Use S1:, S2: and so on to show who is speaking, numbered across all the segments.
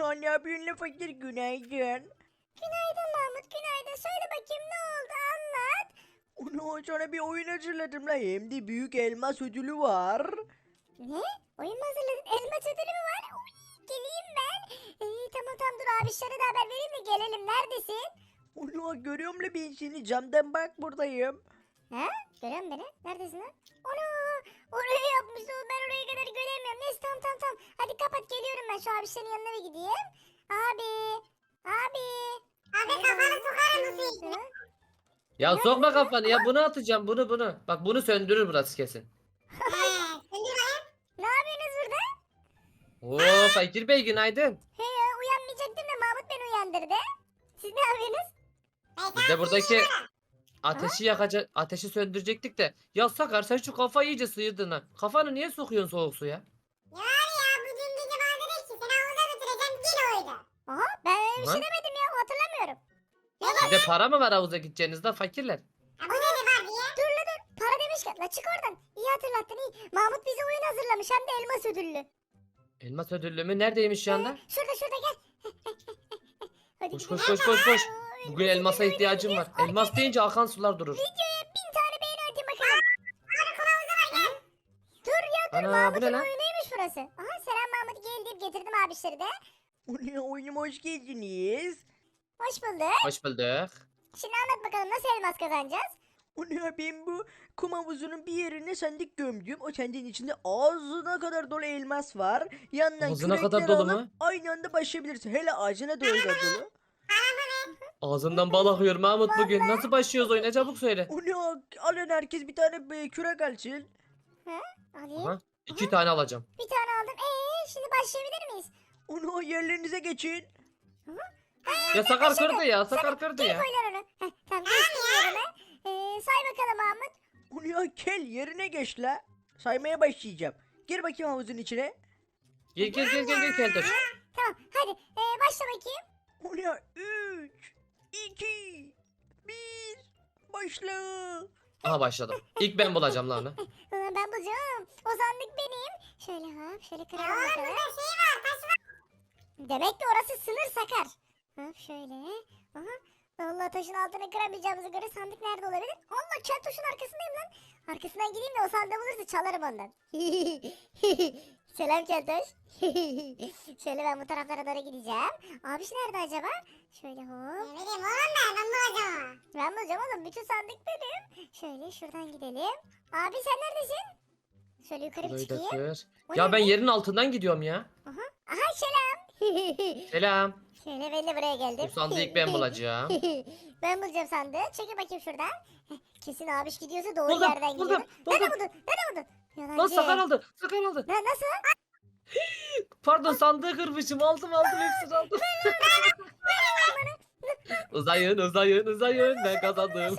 S1: Ana ne yapıyorsun la fakir, günaydın.
S2: Günaydın Mahmut, günaydın. Söyle bakayım ne oldu, anlat.
S1: Ana sana bir oyun hazırladım la, hem de büyük elmas ödülü var.
S2: Ne? Oyun mu hazırladın? Elma ödülü mü var? Uy, geleyim ben. Tamam tamam, dur abişlere de haber vereyim de gelelim. Neredesin?
S1: Ana görüyorum la ben seni, camdan bak, buradayım.
S2: Ha? Görüyor musun beni? Neredesin lan? Ana! Oraya yapmışsın. Ben oraya kadar göremiyorum. Neyse tamam tamam tamam. Hadi kapat, geliyorum ben. Şu abişlerin yanına bir gideyim. Abi! Abi!
S3: Abi kafanı sokarım bu suyu.
S4: Ya sokma kafanı ya, bunu atacağım, bunu. Bak bunu söndürür burası kesin.
S3: Söndür bakayım.
S2: Ne yapıyorsunuz burada?
S4: Oo Fakir Bey günaydın.
S2: He ya, uyanmayacaktım da Mahmut beni uyandırdı. Siz ne yapıyorsunuz?
S4: Biz de buradaki ateşi söndürecektik de. Ya Sakar sen şu kafayı iyice sıyırdın ha. Kafanı niye sokuyorsun soğuk suya?
S3: Ya var ya bu dün gece bana dedi ki seni havuza götüreceğim yine oydu.
S2: Aha, ben öyle bir
S4: Aha.
S2: şey demedim ya, hatırlamıyorum.
S4: Sizde para mı var havuza gideceğinizde fakirler?
S3: Ha bu dedi var diye.
S2: Dur la dur, para demişken la çık oradan. İyi hatırlattın, iyi. Mahmut bize oyun hazırlamış, hem de elmas ödüllü.
S4: Elmas ödüllü mü? Neredeymiş şu anda?
S2: Şurada şurada gel. Hadi
S4: Koş
S2: gidelim.
S4: koş koş koş koş.
S2: Aa,
S4: Bugün
S2: elmas
S4: elmasa
S2: ödüllü
S4: ihtiyacım var.
S2: oynayacağız.
S4: Elmas deyince akan sular durur.
S2: Videoya 1000 tane beğeni atayım bakalım. Dur ya dur,
S4: Ana bu
S2: Mahmut'un
S4: ne lan?
S2: oyunuymuş burası. Aha, selam Mahmut, gel deyip getirdim abişleri de.
S1: Ana oyunuma hoş geldiniz.
S2: Hoş bulduk.
S4: Hoş bulduk.
S2: Şimdi anlat bakalım, nasıl elmas kazanacağız?
S1: Ana ben bu kum havuzunun bir yerine sandık gömdüm. O sandığın içinde ağzına kadar dolu elmas var. Yandan
S4: Ağzına kadar
S1: kürekler
S4: dolu
S1: alıp
S4: mu?
S1: aynı anda başlayabilirsin. Hele ağzına doğru da dolu.
S4: Ağzından bal akıyor Mahmut bugün. Nasıl başlıyoruz oyuna, çabuk söyle.
S1: Ana alın herkes bir tane kürek alsın.
S2: Alayım.
S4: Aha, 2 tane alacağım.
S2: Bir tane aldım. Şimdi başlayabilir miyiz?
S1: Ana yerlerinize geçin.
S4: Ya Sakar kırdı ya, Sakar kırdı
S2: Geri
S4: ya.
S2: koy lan onu. Tamam, geçtim yerine. Say bakalım Mahmut.
S1: Ana gel yerine geç la. Saymaya başlayacağım. Gir bakayım havuzun içine.
S4: Gel Keltoş.
S2: Tamam hadi, başla bakayım.
S1: Ana 3, 2, 1, başla.
S4: Aha başladım. İlk ben bulacağım lan onu.
S2: Ben bulacağım. O sandık benim. Şöyle hop, şöyle kıralım bakalım.
S3: Burada şey var taş var.
S2: Demek ki orası sınır Sakar. Hop şöyle. Aha. Allah, taşın altını kıramayacağımıza göre sandık nerede olabilir? Allah, keltoşun arkasındayım lan. Arkasından gideyim de o sandığı bulursa çalarım ondan. Selam keltoş. Şöyle ben bu taraflara doğru gideceğim. Abiş nerede acaba? Şöyle hop.
S3: Ne bileyim oğlum ben bulacağım.
S2: Ben bulacağım oğlum. Bütün sandık benim. Şöyle şuradan gidelim. Abi sen neredesin? Şöyle yukarı bir
S4: Burayı da
S2: çıkayım.
S4: kır.
S2: O
S4: Ya
S2: ne
S4: ben
S2: be?
S4: yerin altından gidiyorum ya.
S2: Aha selam.
S4: Selam.
S2: Şöyle ben de buraya geldim.
S4: Bu sandığı ilk ben bulacağım.
S2: Ben bulacağım sandığı. Çekil bakayım şuradan. Kesin abiş gidiyorsa doğru
S4: Buldum,
S2: yerden
S4: buldum,
S2: gidiyor. Nerede
S4: buldum.
S2: buldun? Nerede buldun?
S4: Lan
S2: Yalancı.
S4: Sakar aldı. Sakar aldı.
S2: Nasıl?
S4: Pardon sandığı kırmışım. Aldım hepsini aldım. Uzayın. Ben kazandım.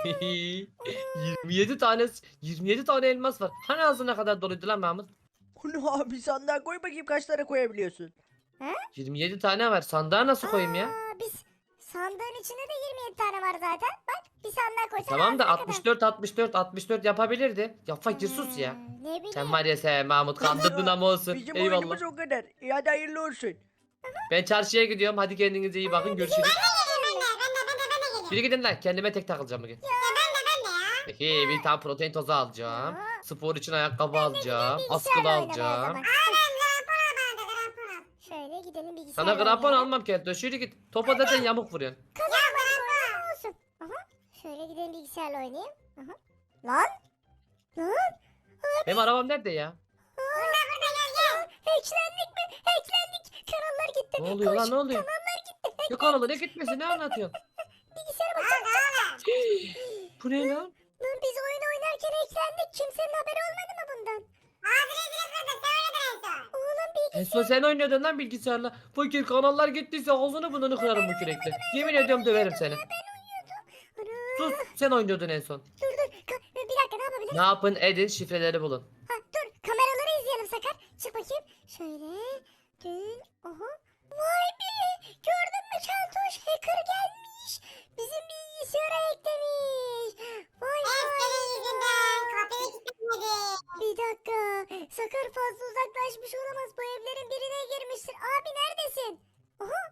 S4: 27 tane elmas var. Hani ağzına kadar doluydu lan Mahmut?
S1: Ana abi sandığa koy bakayım, kaç tane koyabiliyorsun.
S4: 27 tane var. Sandığa nasıl koyayım ya?
S2: Biz sandığın içinde de 27 tane var zaten. Bak, bir sandığa koysan
S4: Tamam da
S2: ağzına kadar.
S4: 64 yapabilirdi. Ya fakir sus ya.
S2: Ne bileyim.
S4: Sen var ya sen Mahmut kandırdın ama olsun.
S1: Bizim
S4: Eyvallah.
S1: oyunumuz o kadar. Hadi hayırlı olsun.
S4: Ben çarşıya gidiyorum. Hadi kendinize iyi bakın. Görüşürüz.
S3: Ben de gelirim.
S4: Biri gidin lan. Kendime tek takılacağım bugün.
S3: Ben de ya.
S4: Peki bir tane protein tozu alacağım.
S2: Ya.
S4: Spor için ayakkabı alacağım.
S2: Bilgisayarla
S4: Askılı
S2: oynamaya
S4: alacağım.
S2: zaman.
S3: Krampon al bana da krampon al.
S2: Şöyle gidelim bilgisayarla
S4: Sana krampon
S2: oynayalım.
S4: almam Kelto. Şöyle git. Topa zaten yamuk vuruyorsun.
S2: Kazanmadık oyun olsun. Aha. Şöyle gidelim bilgisayarla oynayayım. Aha. Lan. Lan.
S4: Benim arabam nerede ya?
S2: Hacklendik mi? Hacklendik. Kanallar gitti.
S4: Ne oluyor lan, ne oluyor?
S2: Kanallar gitti.
S4: Ne kanalı ne gitmesi, ne anlatıyorsun?
S2: Bilgisayara bak.
S4: Bu ne lan?
S2: Lan biz oyun oynarken hacklendik. Kimsenin haberi olmadı mı bundan?
S3: Ağzını kırdı sen oynadın en son.
S2: Oğlum
S4: En son sen oynuyordun lan bilgisayarla. Fakir kanallar gittiyse ağzını bununu kırarım bu kürekle. Yemin ediyorum döverim seni.
S2: Ana.
S4: Sus, sen oynuyordun en son.
S2: Dur dur. Bir dakika, ne yapabiliriz?
S4: Ne yapın edin, şifreleri bulun.
S2: Ha, dur, kameraları izleyelim Sakar. Çık bakayım. Şöyle. Dön. Aha. Vay be. Gördün mü Keltoş? Hacker gelmiş. Bizim bilgisayara eklemiş. Vay
S3: En
S2: vay.
S3: senin yüzünden kapıyı kilitlemedi.
S2: Bir dakika. Sakar fazla uzaklaşmış olamaz. Bu evlerin birine girmiştir. Abi neredesin? Aha.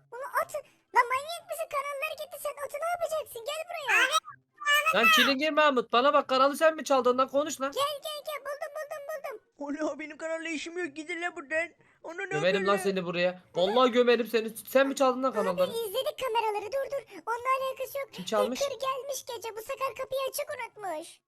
S2: buraya.
S4: Lan Çilingir Mahmut bana bak kanalı sen mi çaldın lan konuş lan.
S2: Gel buldum.
S1: Ola benim kanalla işim yok gidin lan buradan. Onu ne
S4: Gömerim
S1: yapıyorsun
S4: lan seni buraya. Vallahi gömerim seni. Sen mi çaldın lan kanalları?
S2: Abi izledik kameraları dur. Onunla alakası yok.
S4: Kim çalmış?
S2: Hacker gelmiş gece bu Sakar kapıyı açık unutmuş.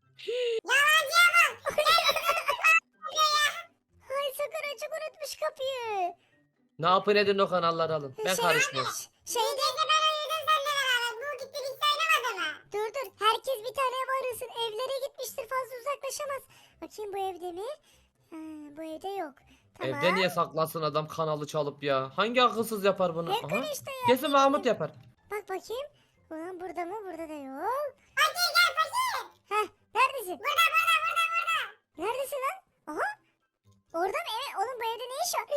S2: Hay Sakar açık unutmuş kapıyı.
S4: Ne yapın edin o kanalları alın. Ben
S2: Şey-
S4: karışmıyorum.
S2: Şeyde
S3: Gece ben uyudum seninle beraber. Bu gitti hiç oynamadı mı?
S2: dur herkes bir tane ev arasın. Evlere gitmiştir fazla uzaklaşamaz. Bakayım bu evde mi? Ha, bu evde yok. Tamam.
S4: Evde niye saklasın adam kanalı çalıp ya? Hangi akılsız yapar bunu?
S2: Hacker
S4: Aha.
S2: işte ya.
S4: Kesin Mahmut yapar.
S2: Bak bakayım. Ulan burada mı? Burada da yok.
S3: Fakir gel fakir.
S2: Heh neredesin?
S3: Burada.
S2: Neredesin lan? Aha. Orada mı? Evet. Oğlum bu evde ne iş var?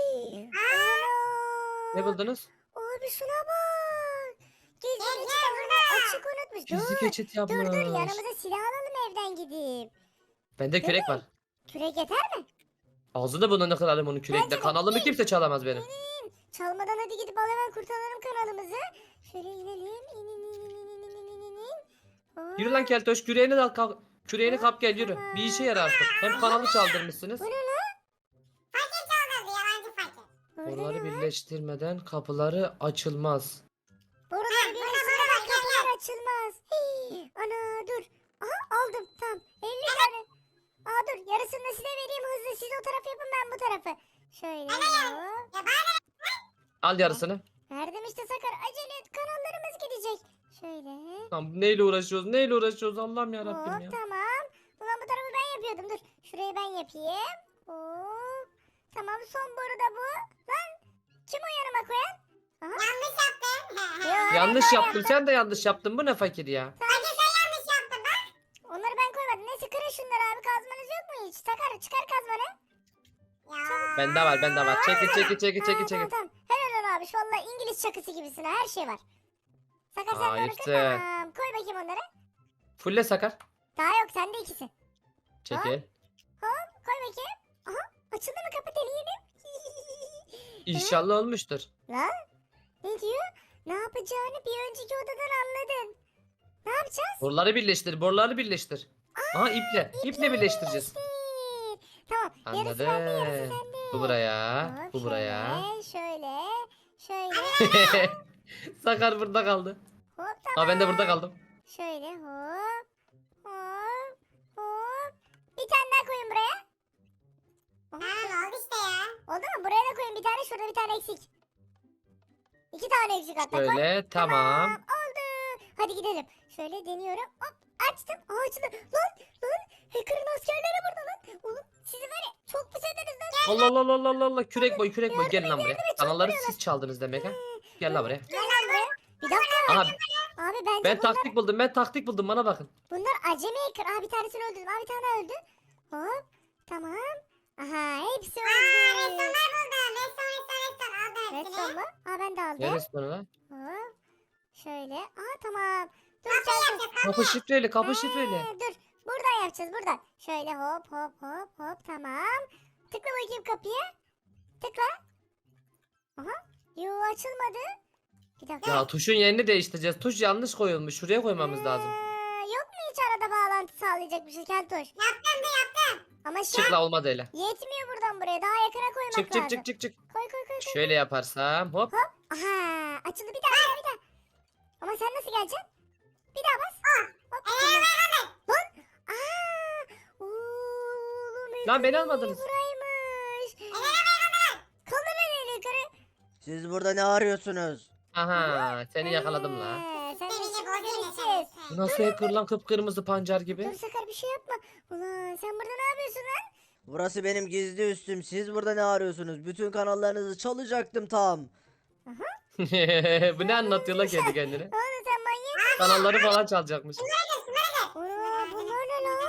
S4: Ne
S2: Ana.
S4: buldunuz?
S2: Abi şuna bak. Gizli
S3: Gel,
S2: geçit
S3: gel
S2: alanı açık unutmuş.
S4: Gizli geçit
S2: Dur
S4: yapmış.
S2: yanımıza silah alalım evden gidip.
S4: Bende kürek var.
S2: Kürek yeter mi?
S4: Ağzını burnunu kırarım onun
S2: Bence
S4: kürekle.
S2: de.
S4: Kanalımı kimse çalamaz benim.
S2: Çalmadan hadi gidip al hemen kurtaralım kanalımızı. Şöyle inelim. İn. Hop.
S4: Yürü lan keltoş küreğini de al kalk. Küreğini kap gel yürü. Bir işe yarar artık. Hem kanalı çaldırmışsınız.
S2: Bu ne lan?
S3: Fakir çaldırdı yalancı fakir.
S2: Burada
S4: Oraları
S2: ne var?
S4: birleştirmeden kapıları açılmaz.
S2: Buraları birleştirmeden kapılar açılmaz. Hii, ana dur. Aha aldım tamam. 50 tane. Aa dur yarısını da size vereyim hızlı. Siz o tarafı yapın ben bu tarafı. Şöyle. hop.
S3: Ya bana
S4: Al yarısını.
S2: Verdim işte Sakar. Acele et kanallarımız gidecek. Şöyle.
S4: Tamam neyle uğraşıyoruz? Neyle uğraşıyoruz? Allah'ım ya Rabbim
S2: Hop
S4: ya.
S2: tamam. Ulan bu tarafı ben yapıyordum. Dur. Şurayı ben yapayım. Hop. Tamam son boru da bu. Lan kim o yanıma koyan?
S3: yanlış yaptın.
S2: Yo,
S4: Yanlış
S2: ben
S4: yaptın. Sen de yanlış yaptın. Bu ne fakir ya?
S3: Fakir sen yanlış yaptın bak.
S2: Onları ben koymadım. Neyse kırın şunları abi. Kazmanız yok mu hiç? Sakar çıkar kazmanı.
S3: Ya.
S4: Bende var. Çekil.
S2: Tamam. Helal ol abi. Vallahi İngiliz çakısı gibisin. ha, Her şey var. Sakar sen de onu kır.
S4: Işte.
S2: Tamam. Koy bakayım onları.
S4: Fulle sakar.
S2: Daha yok. Sende ikisi.
S4: Çekil.
S2: Koy bakayım. Aha. Açıldı mı kapı deneyelim.
S4: İnşallah olmuştur.
S2: Lan. Ne diyor? Ne yapacağını bir önceki odadan anladın. Ne yapacağız?
S4: Boruları birleştir. Aha iple. İple birleştireceğiz.
S2: Tamam. Yarısı bende yarısı
S4: Anladım.
S2: sende.
S4: Bu buraya.
S2: Hop,
S4: Bu buraya.
S2: Şöyle.
S4: Sakar burada kaldı.
S2: Hop
S4: Ha
S2: tamam.
S4: ben de burada kaldım.
S2: Şöyle hop. Bir tane daha koyun buraya.
S3: Tamam oldu işte ya.
S2: Oldu mu? Buraya da koyun bir tane. Şurada bir tane eksik. 2 tane eksik hatta koy.
S4: Şöyle tamam.
S2: Oldu. Hadi gidelim. Şöyle deniyorum. Hop açtım. Açtı. Lan. Hacker'ın askerleri burada lan. Oğlum sizi var ya çok pis ederiz lan.
S4: Allah. Kürek boy. Gelin lan buraya. Kanalları siz çaldınız demek ha. Gel lan buraya.
S2: Gel lan buraya. Bir dakika.
S4: Aha
S2: Abi bence
S4: ben
S2: bunlar,
S4: taktik buldum bana bakın.
S2: acemi hacker. Aa bir tanesini öldürdüm. Aa bir tane daha öldü. Hop. Tamam. Aha hepsi
S3: Restonlar
S2: öldü.
S3: buldum. Reston aldım hepsini.
S2: Redstone mu? Aa ben de aldım.
S4: Neresi bunu lan?
S2: Hop. Şöyle. Aa tamam. Dur
S3: Kapıyı
S2: sen.
S3: yapacağız.
S4: Kapı şifreli kapı şifreli.
S2: Dur. Buradan yapacağız buradan. Şöyle hop. Tamam. Tıkla bakayım kapıya. Tıkla. Aha. Yo açılmadı. Bir dakika.
S4: Ya tuşun yerini değiştireceğiz. Tuş yanlış koyulmuş. Şuraya koymamız lazım.
S2: Yok mu hiç arada bağlantı sağlayacak bir şey Keltoş?
S3: Yaptım.
S2: Ama şu
S4: Çık
S2: an
S4: la olmadı öyle.
S2: yetmiyor buradan buraya. Daha yakına koymak lazım.
S4: Çık.
S2: Koy.
S4: Şöyle yaparsam hop.
S2: Aha açıldı bir daha. Ama sen nasıl geleceksin? Bir daha bas. Hop. Tamam. Lan. Oğlum.
S4: Lan beni
S2: yukarı
S4: almadınız.
S2: Buraymış. Kaldır beni yukarı.
S1: Siz burada ne arıyorsunuz?
S4: Aha seni yakaladım la.
S2: Sen de
S3: Seni
S2: şimdi
S3: bozayım
S2: göreceğiz.
S4: Bu nasıl hacker lan kıpkırmızı pancar
S2: Dur
S4: gibi.
S2: Sakar bir şey yapma. Ulan sen burada ne yapıyorsun lan?
S1: Burası benim gizli üstüm. Siz burada ne arıyorsunuz? Bütün kanallarınızı çalacaktım tam.
S4: Bu ne anlatıyor la kendi kendine.
S2: Oğlum sen manyak.
S4: Kanalları falan çalacakmış.
S2: Ulan bunlar ne lan?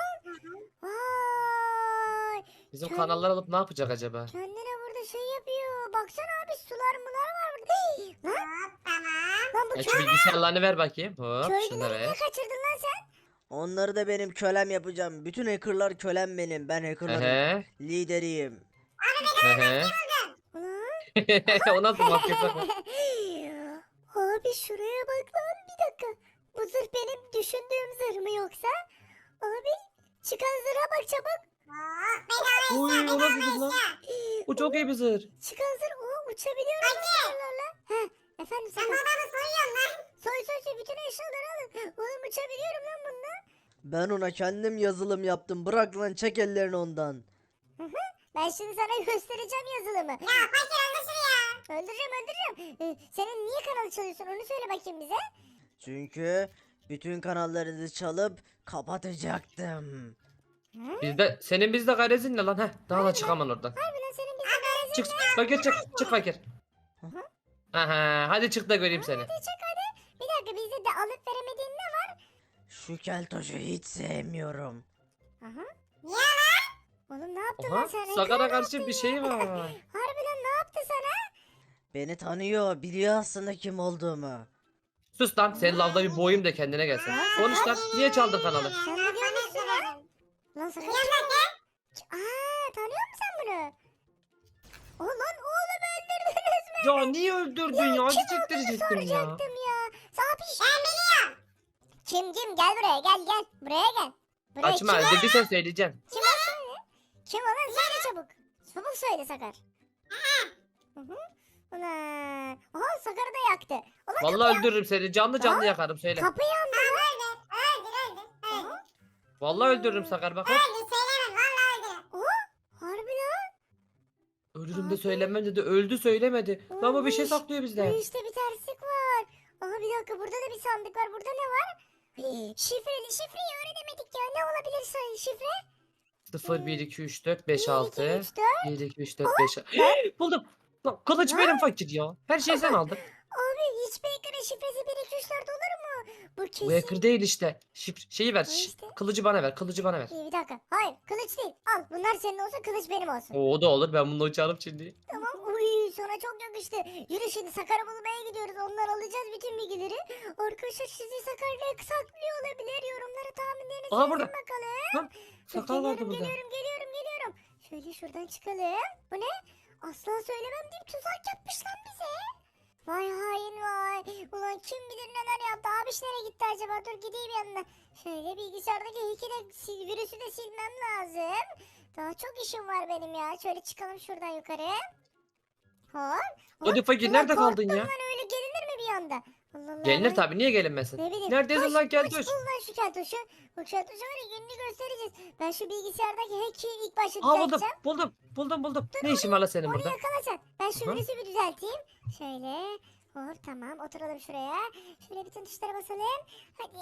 S2: Vay.
S4: Bizim
S2: Sen-
S4: kanalları alıp ne yapacak acaba?
S2: Kendine burada şey yapıyor. Baksana abi sular mular var burada. Hii, lan,
S3: Tamam.
S2: lan bu
S4: Ya şu bilgisayarlarını ver bakayım. Hop şunu da
S2: köylüleri niye
S4: ver.
S2: kaçırdın lan sen?
S1: Onları da benim kölem yapacağım. Bütün hackerlar kölem benim. Ben hackerların
S4: Ehe.
S1: lideriyim.
S4: Ehe.
S2: Ulan.
S4: O nasıl maske sakla?
S2: Abi şuraya bak lan bir dakika. Bu zırh benim yoksa? Abi çıkan zırha bak çabuk.
S3: Bedava
S4: Oy,
S3: eşya,
S4: o nasıl
S3: bedava
S4: lan?
S3: eşya.
S4: Bu çok iyi bir zırh.
S2: Çıkan zırh. Uçabiliyorum zırhlarla. Heh efendim
S3: Sen bu
S2: Sakar.
S3: adamı soyuyorsun lan.
S2: Soy bütün eşyaları alın. Oğlum uçabiliyorum lan bununla.
S1: Ben ona kendim yazılım yaptım. Bırak lan, çek ellerini ondan.
S2: Ben şimdi sana göstereceğim yazılımı.
S3: Ya fakir öldürsün ya.
S2: Öldüreceğim. Senin niye kanalı çalıyorsun onu söyle bakayım bize.
S1: Çünkü bütün kanallarınızı çalıp kapatacaktım.
S4: Senin bizde garezin ne lan? Heh, daha da çıkamam oradan.
S2: Harbi lan senin bize garajın
S4: Çık
S2: ne?
S4: fakir, çık fakir. Aha, hadi çık da göreyim seni.
S2: Hadi çek hadi. Bir dakika bizde de alıp veremediğin ne var?
S1: Şu keltoşu hiç sevmiyorum.
S2: Aha.
S3: Niye lan?
S2: Oğlum ne yaptın
S4: Aha,
S2: lan sen?
S4: Sakar'a
S2: Ne
S4: karşı
S2: yaptın
S4: bir
S2: ya?
S4: şey var.
S2: Harbiden ne yaptı sana?
S1: Beni tanıyor, biliyor aslında kim olduğumu.
S4: Sus lan, senin lavda bir boyum da kendine gelsin. Konuş lan, niye çaldın kanalı?
S2: Sen ne diyorsun lan? Lan sakın
S3: Biliyorum lan sen.
S2: tanıyor musun sen bunu? O lan oğlum öldürdünüz mü?
S4: Ya niye öldürdün ya? Hadi
S2: Kim
S4: çektirecektim ya.
S2: soracaktım ya. Sapiş.
S3: Ben biliyorum.
S2: Kim gel buraya gel. Buraya gel. Buraya
S4: Açma,
S2: kim?
S4: öldürdüysen söyleyeceğim.
S2: Kim o söyle? Kim olan söyle çabuk. Çabuk söyle Sakar. Hı hı. Ulan. Aha Sakar'ı da yaktı. Ulan
S4: Vallahi öldürürüm seni, canlı canlı yakarım söyle.
S2: kapı yandı.
S3: Öldür.
S4: Vallahi öldürürüm Sakar bak. Hop.
S3: Öldür söylemem valla öldür.
S2: Harbi lan.
S4: Ölürüm de söylemem dedi, öldü söylemedi. Lan bu bir şey saklıyor
S2: Bu
S4: bizden.
S2: işte bir terslik var. Aha bir dakika burada da bir sandık var. Burada ne var? Şifreyi öğrenemedik ya. Ne olabilir şifre?
S4: 0, 1, 2, 3, 4, 5, 6.
S2: 3, 4.
S4: 1, 2, 3, 4, 5. Buldum. Lan kılıç benim fakir ya. Her şeyi sen aldın.
S2: Abi hiçbir ekranın şifresi 1, 2, 3, 4 olur mu? Bu kesin.
S4: Bu hacker değil işte. Şeyi ver.
S2: O işte.
S4: Kılıcı bana ver. Kılıcı bana ver.
S2: Bir dakika. Hayır kılıç değil. Al bunlar senin olsun kılıç benim olsun.
S4: O da olur. Ben bununla uçarım şimdi.
S2: Tamam. Uy sana çok yakıştı. Yürü şimdi Sakar'ı bulmaya gidiyoruz. Ondan alacağız bütün bilgileri. Arkadaşlar sizi Sakar'la saklıyor olabilir. Yorumlara tahminlerinizi
S4: Aha,
S2: yazın
S4: burada.
S2: bakalım.
S4: Lan sakal vardı burada.
S2: Geliyorum. Şöyle şuradan çıkalım. Bu ne? Asla söylemem deyip tuzak yapmış lan bize. Vay hain vay. Ulan kim bilir neler yaptı. Abiş nereye gitti acaba? Dur gideyim yanına. Şöyle bilgisayardaki virüsü de silmem lazım. Daha çok işim var benim ya. Şöyle çıkalım şuradan yukarı. Hop.
S4: Hadi fakir,
S2: Ulan
S4: nerede kaldın
S2: korktum
S4: ya?
S2: lan öyle gelinir mi bir anda? Allah Allah.
S4: Gelinir
S2: ben-
S4: tabii. Niye gelinmesin?
S2: Ne bileyim.
S4: Neredesin lan keltoş?
S2: Bul lan şu keltoşu. Bu keltoşu var ya gününü göstereceğiz. Ben şu bilgisayardaki hack'i ilk başta
S4: Aa, buldum.
S2: düzelteceğim.
S4: Buldum. Ne işin var lan senin
S2: Onu
S4: burada?
S2: yakalasan. Ben şu
S4: Aha.
S2: virüsü bir düzelteyim. Şöyle. Hop tamam oturalım şuraya. Şöyle bütün tuşlara basalım. Hadi.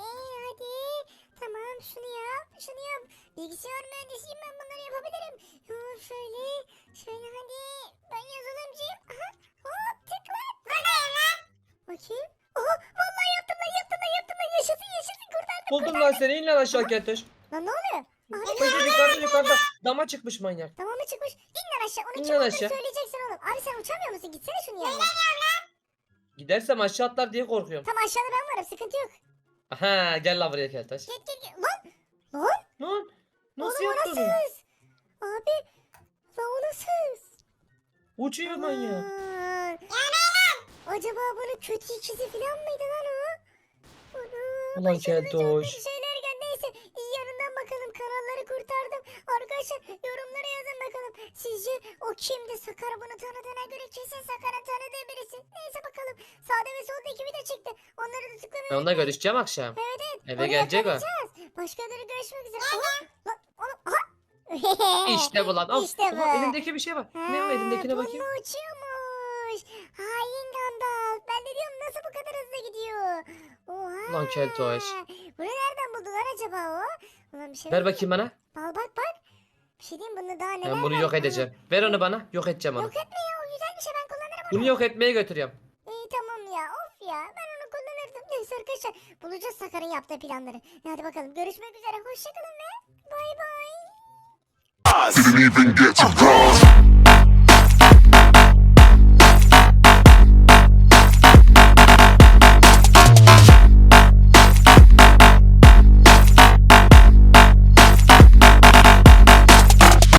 S2: Tamam şunu yap. Bilgisayar mühendisiyim ben bunları yapabilirim. Hop şöyle. Hadi. Ben yazılımcıyım. Aha. Hop tıkla.
S3: Buradayım lan.
S2: Bakayım. Oha vallahi yaptım lan. Yaşasın kurtardım.
S4: Buldum lan seni. İn lan aşağı keltoş.
S2: Lan ne oluyor? Abi
S4: Fakir yukarıda. Dama çıkmış manyak.
S2: tamam mı çıkmış? İn lan aşağı. Onu
S4: İn
S2: kim
S4: lan
S2: olduğunu
S4: aşağı.
S2: söyleyeceksin oğlum. Abi sen uçamıyor musun? Gitsene şunu yanına.
S4: Gidersem aşağı atlar diye korkuyorum.
S2: Tam aşağıda ben varım. Sıkıntı yok.
S4: Aha, gel lan buraya keltoş.
S2: Gel. Lan.
S4: Lan nasıl
S2: Oğlum o
S4: yaptın?
S2: nasıl hız? Abi. Lan o nasıl hız?
S4: Uçuyor manyak.
S2: Aman. Acaba bunun kötü ikizi falan mıydı lan o? Ana,
S4: Ulan
S2: başımıza çok
S4: keltoş.
S2: kötü şeyler geldi. Neyse iyi yanından bakalım. Kanalları kurtardım. Arkadaşlar yorumlara yazın bakalım. Sizce o kimdi? Sakar bunu tanıdığına göre kesin Sakar'ın tanıdığı birisi. Neyse bakalım. Sağda ve solda ekibi de çıktı. Onları da tıklamayı
S4: Ben onunla görüşeceğim akşam.
S2: Evet.
S4: Eve
S2: onu
S4: gelecek o.
S2: yakalayacağız. Başkaları görüşmek üzere. Aha, lan oğlum aha.
S4: İşte bu lan. Of,
S2: İşte bu.
S4: aha, elimdeki bir şey var. Ne o elindekine
S2: bununla
S4: bakayım.
S2: uçuyormuş. Hain Gandalf. Ben de diyorum nasıl bu kadar hızlı gidiyor. Oha.
S4: Lan keltoş.
S2: Bunu nereden buldular acaba o? Ulan bir şey
S4: Ver
S2: var mı?
S4: bakayım bana.
S2: Bak. Bir şey diyeyim bunda daha neler
S4: Ben bunu
S2: var?
S4: yok edeceğim. Ver onu bana. Yok edeceğim onu.
S2: Yok etme ya o güzel bir şey ben kullanırım onu.
S4: Bunu yok etmeye götürüyorum.
S2: İyi tamam ya of ya ben onu kullanırdım. Neyse arkadaşlar bulacağız Sakar'ın yaptığı planları. Hadi bakalım görüşmek üzere hoşçakalın ve bay bay.
S5: Didn't even get to cross.